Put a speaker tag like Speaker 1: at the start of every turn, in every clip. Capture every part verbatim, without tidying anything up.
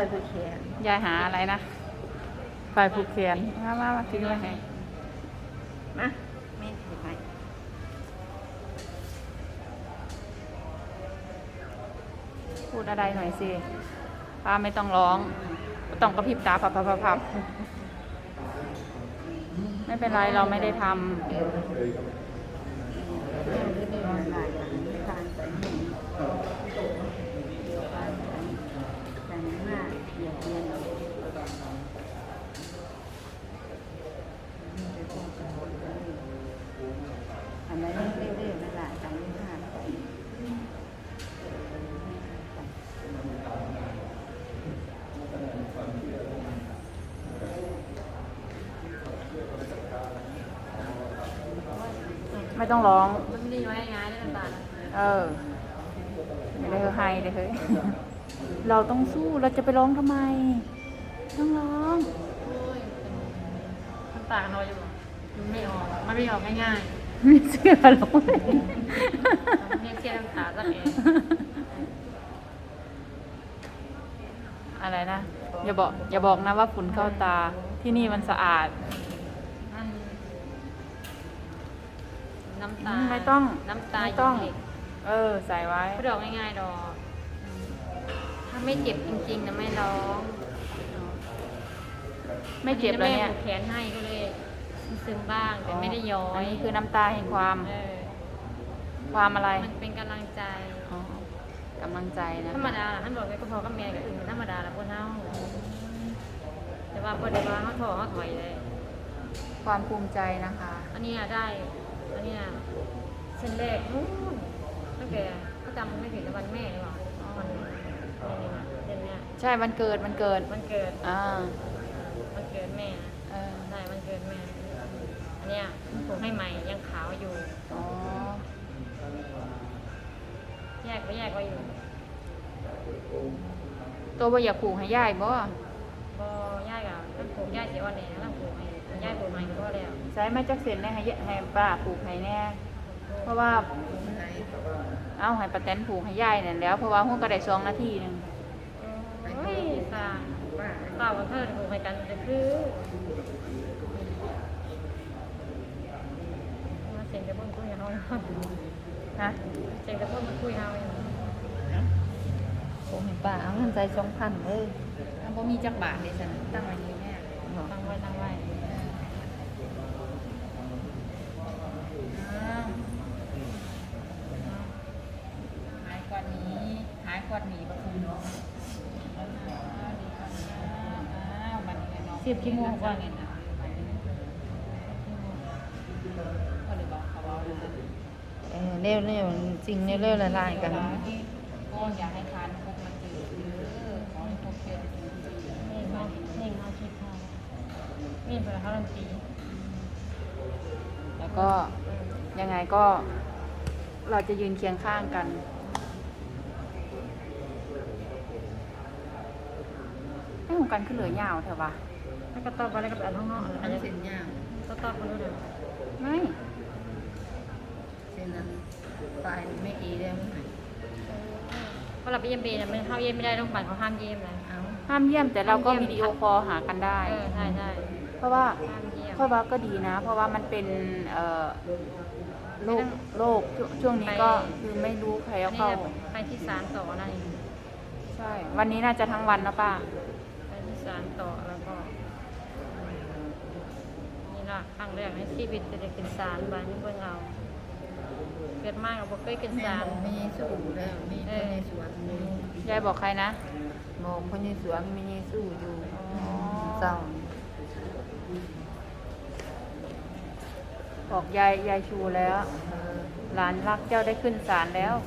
Speaker 1: ผูกแขน
Speaker 2: ยายหาอะไรนะไฟผูกแขนมามามาถือมาให้
Speaker 1: มาแม่ถือไป
Speaker 2: พูดอะไรหน่อยสิป้าไม่ต้องร้องไม่ต้องกระพริบตาพับพับพับพับไม่เป็นไรเราไม่ได้ทำ
Speaker 1: อันนั้นเรื่อยๆนั่นแหละจำไม่พลาด
Speaker 2: ไม่ต้องร้อง
Speaker 3: มันดีไว้ง่ายได้ลำบาก
Speaker 2: เออไม่ได้ให้เลยเฮ้ยเราต้องสู้เราจะไปร้องทำไมต้องร้อง
Speaker 3: น้ำตาเราอยู่มันไม่ออกมันไม่ออกง่าย
Speaker 2: ๆไม่เชื่อหรอก
Speaker 3: ๆเนี่ยเสียน้ำตาสักเอง
Speaker 2: อะไรนะอย่าบอกอย่าบอกนะว่าฝุ่นเข้าตาที่นี่มันสะอาด
Speaker 3: น้ำตา
Speaker 2: ไม่ต้อง
Speaker 3: น้ำตา
Speaker 2: ไม่ต้องเออใส่ไว้
Speaker 3: ไม่ดอกง่ายๆดอกถ้าไม่เจ็บจริงๆนะไม่ร้อง
Speaker 2: ไม่เจ็บแล้วเนี่ย
Speaker 3: แขนให้ก็เลยซึมบ้างแต่ไม่ได้ย้อย
Speaker 2: นี่คือน้ำตาแห่งความความอะไร
Speaker 3: มันเป็นกำลังใจ
Speaker 2: กำลังใจนะ
Speaker 3: ธรรมดาท่านบอกว่าก็พอกับแม่กับอื่นธรรมดาแล้วพวกเฮาแต่ว่าพอได้ว่าเขาถอเขาถอยเลย
Speaker 2: ความภูมิใจนะคะ
Speaker 3: อันนี้ได้อันนี้เส้นแรกนู้นตั้งแต่ก็จำไม่ผิดวันแม่หรือเปล่าวันนี้เดือนนี้
Speaker 2: ใช่วันเกิดวันเกิด
Speaker 3: วันเกิด
Speaker 2: อ่า
Speaker 3: วันเกิดแม่
Speaker 2: เออ
Speaker 3: ได้วันเกิดแม่อันเนี้ยผมให้ใหม่ยังขาวอยู่
Speaker 2: อ๋อ
Speaker 3: แยกไว้แยกไว้อยู่
Speaker 2: ตัวบ่อยากผูกให้ย่ายบ่
Speaker 3: บ่ย่ายกับต้องผูกย่ายเสียวันไหนต้องผูกให้ย่ายผูกใหม่ก็แล้ว
Speaker 2: ใช้ไม้จักเส้นให้ให้ป้าผูกให้แน่เพราะว่าเอาให้ป้าแตนผูกให้ย่ายนั่นแล้วเพราะว่าหุ้นก็ได้สองนาทีนึง
Speaker 3: เฮ้ยสาต่อกับเพื่อนผูกให้กันจะคือมาเสียงกระเบื้องคุยเขา
Speaker 2: ฮะ
Speaker 3: เสียงกระเบื้องมันคุยเขา
Speaker 1: ผมเห็นป่าเอาเงินใจสองพันเลย
Speaker 2: ถ้าบ่มีจักบาทเลยฉันตั้งไว้นี้แม่
Speaker 3: ตั้งไว้ตั้งไว้
Speaker 2: หายก่อนนี้หายก่อนหนีประคุณ
Speaker 3: สิบชั่วโมงกว่า
Speaker 1: เออเร็วเร็วจริงเร็วเร็วละลายกัน
Speaker 2: ก็อยากให้ทานคุกมันจืดเออขอให้คุกเป็น
Speaker 3: นี่มานี่มาคิดเขานี่เป็นเขาลันตี
Speaker 2: แล้วก็ยังไงก็เราจะยืนเคียงข้างกันให้ของกันขึ้นเหลือยาวเถอะวะ
Speaker 3: แล้วก็ตอบไปแล้วก็แบบห้องนอก
Speaker 1: อันนี้เส้นยาว
Speaker 3: ก็ตอบไปด้วย
Speaker 2: ไม่
Speaker 1: เส้นนั้นปลายไม่กี่เดียว
Speaker 3: เพราะเราไปเยี่ยมเบนมันเข้าเยี่ยมไม่ได้ต้องปั่นเขาห้ามเยี่ยมเลย
Speaker 2: ห้ามเยี่ยมแต่เราก็วิดีโอคอลหากันได้
Speaker 3: เออใช่ใช่
Speaker 2: เพราะว่าเพราะว่าก็ดีนะเพราะว่ามันเป็นเอ่อโรคโรคช่วงนี้ก็คือไม่รู้ใครเอาเข้า
Speaker 3: ไปที่ศาลต่อนั่นเอง
Speaker 2: ใช่วันนี้น่าจะทั้งวันนะป้า
Speaker 3: ไปที่ศาลต่อแล้วก็นี่ละครั้งแรกในชีวิตจะได้กินศาลบ้านนี้เพื่อนเราเกิดมากเราบอกเคยกินศาล
Speaker 1: มีสู้แล้วมีคนในสวนมี
Speaker 2: ยายบอกใครนะ
Speaker 1: มองคนในสวนมีสู้อยู่เศร้า
Speaker 2: บอกยายยายชูแล้วหลานรักเจ้าได้ขึ้นศาลแล้ว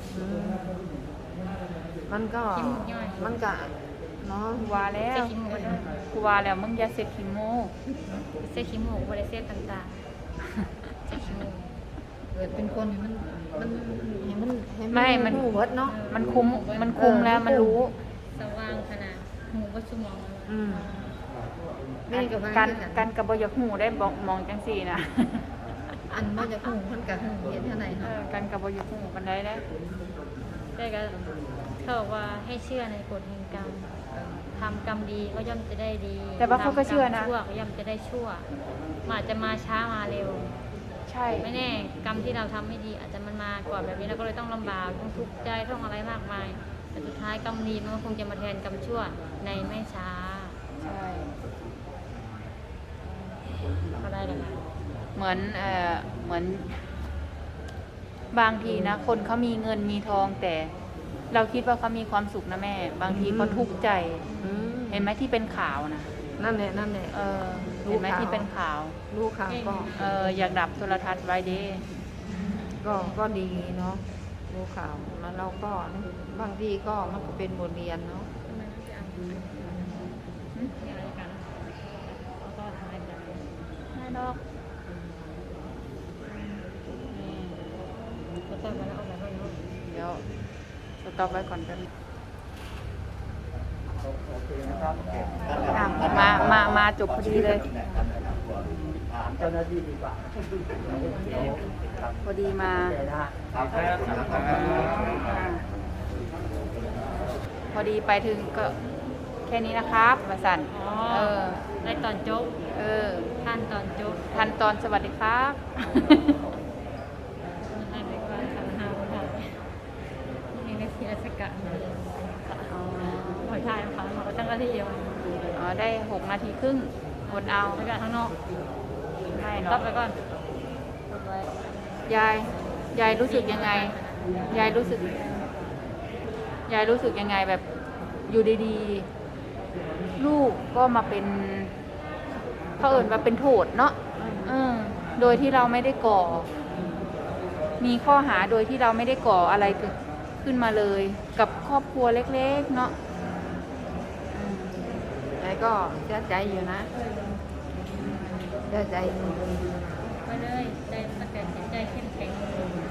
Speaker 1: มันก็มันก็เนาะ
Speaker 2: วาแล้วกูวาแล้วมึงอย่าเซ็ตขี้โม่
Speaker 3: เซ็ตขี้โม่บริเซ็ตต่างๆเซ็ตขี้โม่
Speaker 1: เกิดเป็นคนมันมันมัน
Speaker 2: ไม่มัน
Speaker 1: หูวัดเนาะ
Speaker 2: มันคุมมันคุมแล้วมันรู้
Speaker 3: สว่างขนาดหูวัดสมอง
Speaker 2: อืมการการกระบอยหูได้บอกมองจังสี่นะ
Speaker 1: อันว่าจะหูมันกับหูเห็นเท่าไหร่เนาะ
Speaker 2: การกระบอยหูกันได้ได้
Speaker 3: ได้ก็เขาบอกว่าให้เชื่อในกฎแห่งกรรมทำกรรมดีก็ย่อมจะได้ดี
Speaker 2: แต่ว่าเขาก็เชื่อนะ
Speaker 3: ทำกรรมชั่วก็ย่อมจะได้ชั่วมันอาจจะมาช้ามาเร็ว
Speaker 2: ใช่
Speaker 3: ไม่แน่กรรมที่เราทำไม่ดีอาจจะมันมาก่อนแบบนี้เราก็เลยต้องลำบากต้องทุกข์ใจต้องอะไรมากมาย แต่สุดท้ายกรรมดีมันก็คงจะมาแทนกรรมชั่วในไม่ช้า
Speaker 2: ใช่
Speaker 3: ก็ได้เลยนะ
Speaker 2: เหมือนเอ่อเหมือนบางทีนะ คนเขามีเงินมีทองแต่เราคิดว่าเขามีความสุขนะแม่ บางทีเขาทุกข์ใจ
Speaker 4: อืม
Speaker 2: เห็นไหมที่เป็นข่าวนะ
Speaker 4: นั่นแหละนั่นแหละ
Speaker 2: เออ
Speaker 4: รู้
Speaker 2: เห็นไหม
Speaker 4: ข่าว
Speaker 2: ที่เป็นข่าว
Speaker 4: ลูกข่าวก็
Speaker 2: เอออยากดับโทรทัศน์ไว้เด้
Speaker 4: ก็ก็ดีเนาะรู้ข่าวแล้วเราก็บางทีก็มันก็เป็นบทเรียนเนาะ
Speaker 3: ทำไมไม่ไปเอามีอะไรกันแล้วก็ทำอะไรกัน
Speaker 2: ไม่ดอกนี่
Speaker 3: ก็จะมาแล้วเอาแบบนั้นเนาะ
Speaker 2: เดี๋ยวสต็อปไว้ก่อนกันมา มา มาจบพอดีเลย
Speaker 5: ถามเจ้าหน้าที่ดีกว่า
Speaker 2: พอดีมา
Speaker 5: ครับครับ
Speaker 2: อ่าพอดีไปถึงก็แค่นี้นะครับมาสั่น
Speaker 3: อ๋อ
Speaker 2: เออ
Speaker 3: ได้ตอนโจ๊ก
Speaker 2: เออ
Speaker 3: ท่านตอนโจ๊ก
Speaker 2: ทันตอนสวัสดีครับ
Speaker 3: ให้ไปก่อนทำห้าวค่ะนี่ในทีราชการหอยทายนะคะหอยตั้งกะทิเดียว
Speaker 2: อ๋อ ได้หกนาทีครึ่งอดเอา
Speaker 3: ไปกันข้างนอก
Speaker 2: ไม่
Speaker 3: รั
Speaker 2: เนาะ
Speaker 3: บไปก่อนกดไว้
Speaker 2: ยาย ยายรู้สึกยังไง ยายรู้สึก ยายรู้สึกยังไงแบบอยู่ดีๆ ลูกก็มาเป็นเขาเอ่นว่าเป็นโทษเนาะเออโดยที่เราไม่ได้ก่อ มีข้อหาโดยที่เราไม่ได้ก่ออะไรเกิดขึ้นมาเลย กับครอบครัวเล็กๆเนาะอืม
Speaker 4: ใจก็เสียใจอยู่นะเสียใจอยู่
Speaker 3: ไปเลยใจมันแต่จิตใจเข้มแข็ง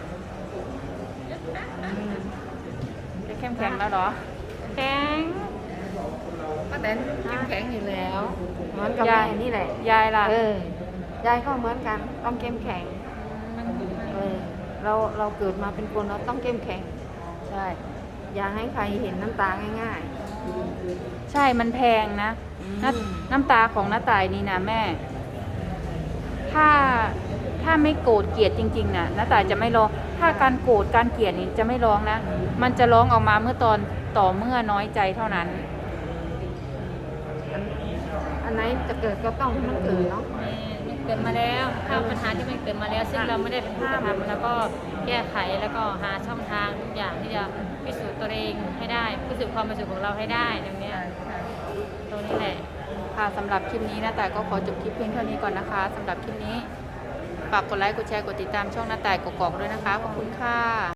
Speaker 2: จะเข้มแข็งแล้วเหรอ
Speaker 3: แข็ง
Speaker 4: ป้าแตนเข้มแข็งอยู่แล้วเหมือนกับ
Speaker 2: ยา
Speaker 4: แม่
Speaker 2: ย
Speaker 4: นี่แหละ
Speaker 2: ยายล่ะ
Speaker 4: เออยายก็เหมือนกันต้องเข้มแข็ง
Speaker 3: มัน
Speaker 4: เออเราเราเกิดมาเป็นคนเราต้องเข้มแข็ง
Speaker 2: ใช่
Speaker 4: อย่าให้ใครเห็นน้ำตาง่าย
Speaker 2: ใช่มันแพงนะ
Speaker 4: อืม
Speaker 2: น้ำน้ำตาของน้าตายนี่นะแม่ ถ้าถ้าไม่โกรธเกลียดจริงๆนะน้าตายจะไม่ร้อง ถ้าการโกรธการเกลียดนี่จะไม่ร้องนะ มันจะร้องออกมาเมื่อตอนต่อเมื่อน้อยใจเท่านั้น
Speaker 4: ๆอันอันไหนจะเกิดก็ต้องให้มันเกิดเนาะ
Speaker 3: มันเกิดมาแล้วถ้าปัญหาที่มันเกิดมาแล้ว ซึ่งเราไม่ได้เป็นผู้กระทำแล้วก็แก้ไขแล้วก็หาช่องทางทุกอย่างที่จะพิสูจน์ตัวเองให้ได้พิสูจน์ความบริสุทธิ์ของเราให้ได้ตรงเนี้ยตรงนี้แหละ
Speaker 2: ค่ะสำหรับคลิปนี้นะแต่ายก็ขอจบคลิปเพียงเท่านี้ก่อนนะคะสำหรับคลิปนี้ฝากกดไลค์กดแชร์กดติดตามช่องหน้าแต่ายกกอกด้วยนะคะขอบคุณค่ะ